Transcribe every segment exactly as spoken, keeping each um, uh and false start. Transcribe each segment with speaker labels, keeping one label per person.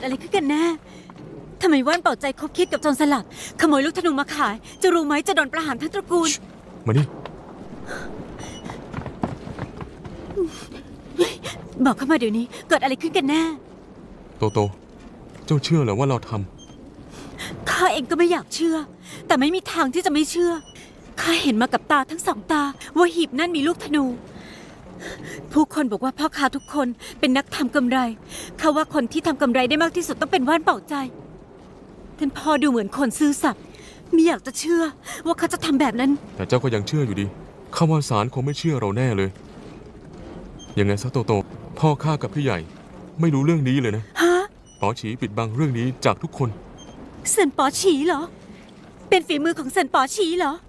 Speaker 1: อะไรขึ้นกันแน่ทำไมว่านเป่าใจคบคิดกับโจรสลัดขโมยลูกธนูมาขายจะรู้ไหมจะโดนประหารทั้งตระกูล
Speaker 2: มานี่
Speaker 1: บอกเข้ามาเดี๋ยวนี้เกิดอะไรขึ้นกันแน่
Speaker 2: โตโตเจ้าเชื่อเหรอว่าเราทำ
Speaker 1: ข้าเองก็ไม่อยากเชื่อแต่ไม่มีทางที่จะไม่เชื่อข้าเห็นมากับตาทั้งสองตาว่าหีบนั่นมีลูกธนูผู้คนบอกว่าพ่อค้าทุกคนเป็นนักทำกำไรข้าว่าคนที่ทำกำไรได้มากที่สุดต้องเป็นว่านเป่าใจท่านพ่อดูเหมือนคนซื่อสัตย์ไม่อยากจะเชื่อว่าเขาจะทำแบบนั้น
Speaker 2: แต่เจ้าก็ยังเชื่ออยู่ดีข้าว่าศาลคงไม่เชื่อเราแน่เลยยังไงซะโตโตพ่อข้ากับพี่ใหญ่ไม่รู้เรื่องนี้เลยนะ
Speaker 1: ฮะ
Speaker 2: ป๋อฉีปิดบังเรื่องนี้จากทุกคน
Speaker 1: เซินป๋อฉีเหรอเป็นฝีมือของเซินป๋อฉีเหรอ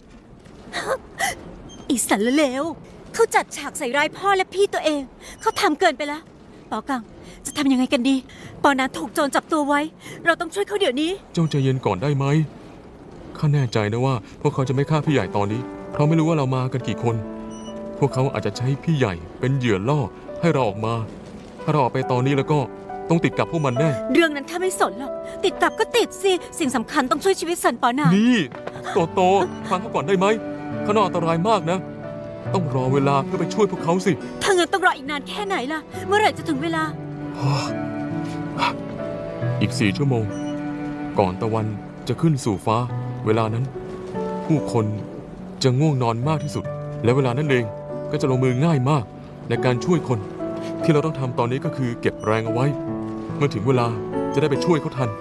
Speaker 1: อีสันเลวเขาจัดฉากใส่ร้ายพ่อและพี่ตัวเองเขาทำเกินไปแล้วป๋อกังจะทำยังไงกันดีปอนั้นถูกโจรจับตัวไว้เราต้องช่วยเขาเดี๋ยวนี้
Speaker 2: เจ้าใจเย็นก่อนได้ไหมข้าแน่ใจนะว่าพวกเขาจะไม่ฆ่าพี่ใหญ่ตอนนี้เพราะไม่รู้ว่าเรามากันกี่คนพวกเขาอาจจะใช้พี่ใหญ่เป็นเหยื่อล่อให้เราออกมาถ้าเราออกไปตอนนี้แล้วก็ต้องติดกับพวกมันแน่
Speaker 1: เรื่องนั้นข้าไม่สนหรอกติดกับก็ติดสิสิ่งสำคัญต้องช่วยชีวิตสันปอนา
Speaker 2: นี่โตโตฟังเขาก่อนได้ไหมเขาน่าอันตรายมากนะต้องรอเวลาเพื่อไปช่วยพวกเขาสิ
Speaker 1: ถ้างั้นต้องรออีกนานแค่ไหนล่ะเมื่อไหร่จะถึงเวลา
Speaker 2: อีกสี่ชั่วโมงก่อนตะวันจะขึ้นสู่ฟ้าเวลานั้นผู้คนจะง่วงนอนมากที่สุดและเวลานั้นเองก็จะลงมือง่ายมากในการช่วยคนที่เราต้องทำตอนนี้ก็คือเก็บแรงเอาไว้เมื่อถึงเวลาจะได้ไปช่วยเขาทัน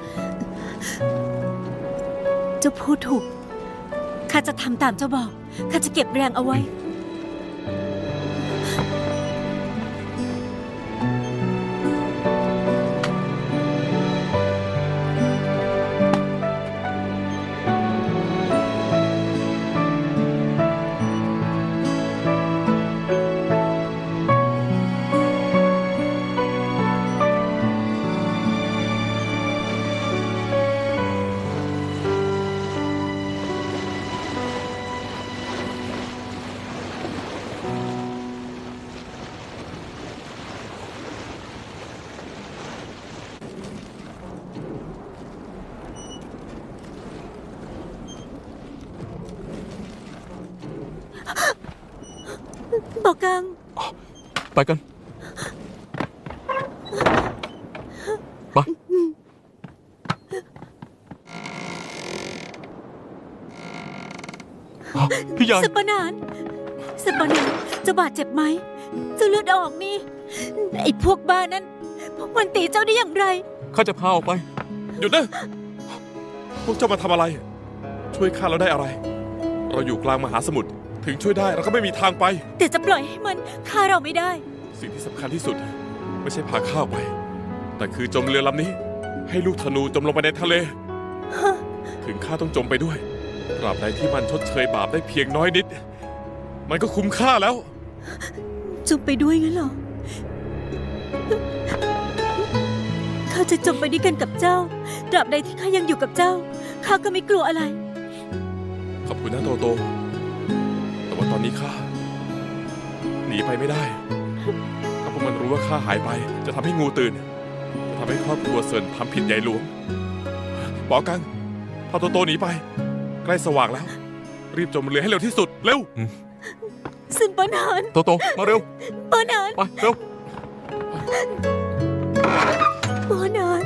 Speaker 1: เจ้าพูดถูกข้าจะทำตามเจ้าบอกข้าจะเก็บแรงเอาไว้บอกกัง
Speaker 2: ไปกันไปพี่ใหญ่
Speaker 1: สปนานสปนานจะบาดเจ็บไหมจะเลือดออกนี่ไอ้พวกบ้านั้นพวกมันตีเจ้าได้อย่างไร
Speaker 2: ข้าจะพาออกไป
Speaker 3: หยุดนะพวกเจ้ามาทำอะไรช่วยข้าเราได้อะไรเราอยู่กลางมหาสมุทรถึงช่วยได้เราก็ไม่มีทางไป
Speaker 1: แต่จะปล่อยให้มันฆ่าเราไม่ได้
Speaker 3: สิ่งที่สำคัญที่สุดไม่ใช่พาข้าไปแต่คือจมเรือลำนี้ให้ลูกธนูจมลงไปในทะเลถึงข้าต้องจมไปด้วยตราบใดที่มันชดเชยบาปได้เพียงน้อยนิดมันก็คุ้มค่าแล้ว
Speaker 1: จมไปด้วยงั้นเหรอข้าจะจมไปด้วยกันกับเจ้าตราบใดที่ข้ายังอยู่กับเจ้าข้าก็ไม่กลัวอะไร
Speaker 3: ขอบคุณนะโตโตแต่ว่าตอนนี้ข้าหนีไปไม่ได้ถ้าพวกมันรู้ว่าข้าหายไปจะทำให้งูตื่นจะทำให้ครอบครัวเซินทำผิดใหญ่หลวงป๋อกังพาโตโตหนีไปใกล้สว่างแล้วรีบจมเรือให้เร็วที่สุดเร็ว
Speaker 1: ซินปอนาน
Speaker 2: โตโตมาเร็ว
Speaker 1: ปอนาน
Speaker 2: ไปเร็ว
Speaker 1: ปอนาน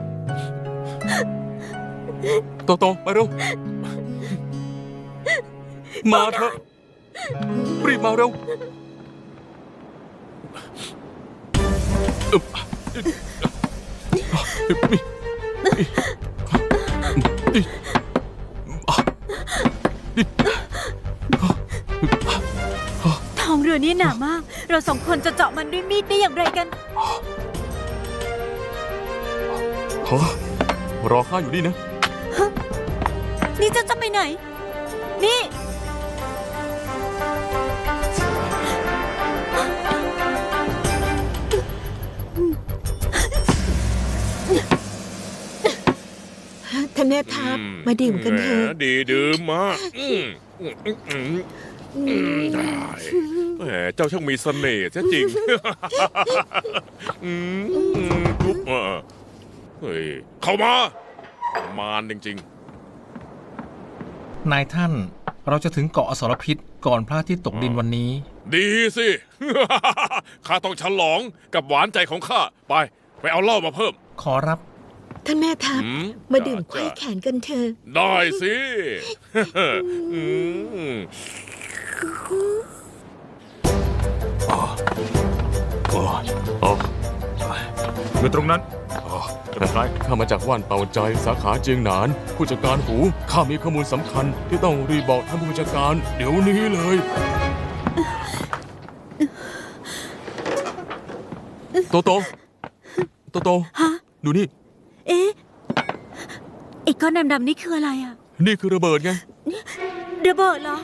Speaker 2: โตโตไปเร็วมาเถอะรีบมาเร็ว
Speaker 1: ท้องเรือนี่หนามากเราสองคนจะเจาะมันด้วยมีดได้อย่างไรกัน
Speaker 2: รอข้าอยู่นี่นะ
Speaker 1: นี่เจ้าจะไปไหนนี่
Speaker 4: ท่านแม่ทัพมาดื่มกันเถอะ
Speaker 3: ดีดื่มมากได้แหมเจ้าช่างมีเสน่ห์แท้จริงเฮ้ย เข้ามามารจริง
Speaker 5: นายท่าน เราจะถึงเกาะอสรพิษก่อนพระอาทิตย์ตกดินวันนี้
Speaker 3: ๆ ดีสิ ข้าต้องฉลองกับหวานใจของข้า ไป ไปเอาเหล้ามาเพิ่ม
Speaker 5: ขอรับ
Speaker 4: ท่านแม่ทัพ
Speaker 3: อืม
Speaker 4: มาดื่ม
Speaker 3: จ้ะ
Speaker 4: ไขว้แขนกันเถอะ
Speaker 3: ได้สิ อืม
Speaker 2: อ๋ออ๋อ
Speaker 6: อยู่ตรงนั้นอ๋อจะเป็นไร
Speaker 2: ข้ามาจากว่านเป่าใจสาขาเจียงหนาน ผู้จัดการหู ข้ามีข้อมูลสำคัญที่ต้องรีบบอกท่านผู้จัดการ เดี๋ยวนี้เลย โตโต โตโต
Speaker 1: ฮะ
Speaker 2: ดูนี่
Speaker 1: เอ๊ะไอ้ก้อนดำๆนี่คืออะไรอ่ะ
Speaker 2: นี่คือระเบิดไง
Speaker 1: ระเบิดเหรอ